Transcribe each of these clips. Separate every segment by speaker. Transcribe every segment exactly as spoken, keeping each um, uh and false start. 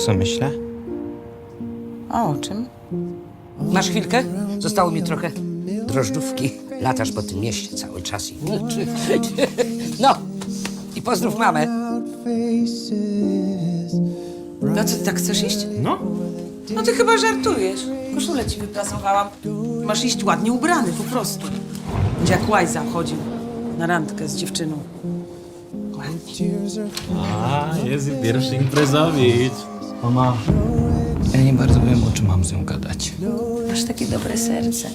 Speaker 1: co myślę?
Speaker 2: A o czym?
Speaker 3: Masz chwilkę? Zostało mi trochę drożdżówki. Latasz po tym mieście cały czas i... No, i pozdrów mamę.
Speaker 2: No co, ty tak chcesz iść?
Speaker 1: No.
Speaker 2: No ty chyba żartujesz. Koszulę ci wyprasowałam. Masz iść ładnie ubrany, po prostu. Będzie jak łajza chodził na randkę z dziewczyną. Ładnie.
Speaker 4: A, jest i pierwszy imprezowicz.
Speaker 1: Mama, ja nie bardzo wiem, o czym mam z nią gadać.
Speaker 2: Masz takie dobre serce.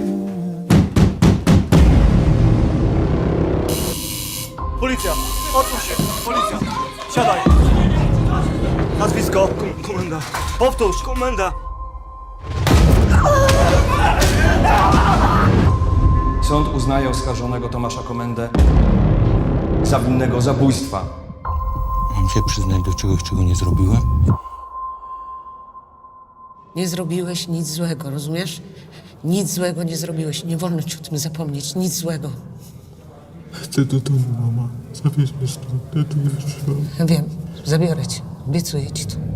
Speaker 5: Policja! Otwórz się! Policja! Siadaj! Nazwisko! Komenda. Powtórz! Komenda!
Speaker 6: Sąd uznaje oskarżonego Tomasza Komendę za winnego zabójstwa.
Speaker 1: Mam się przyznać do czegoś, czego nie zrobiłem?
Speaker 3: Nie zrobiłeś nic złego, rozumiesz? Nic złego nie zrobiłeś. Nie wolno ci o tym zapomnieć. Nic złego.
Speaker 4: Chcę do domu, mama. Zabierz mnie stąd. Ja tu jeszcze.
Speaker 3: Ja wiem, zabiorę cię. Obiecuję ci to.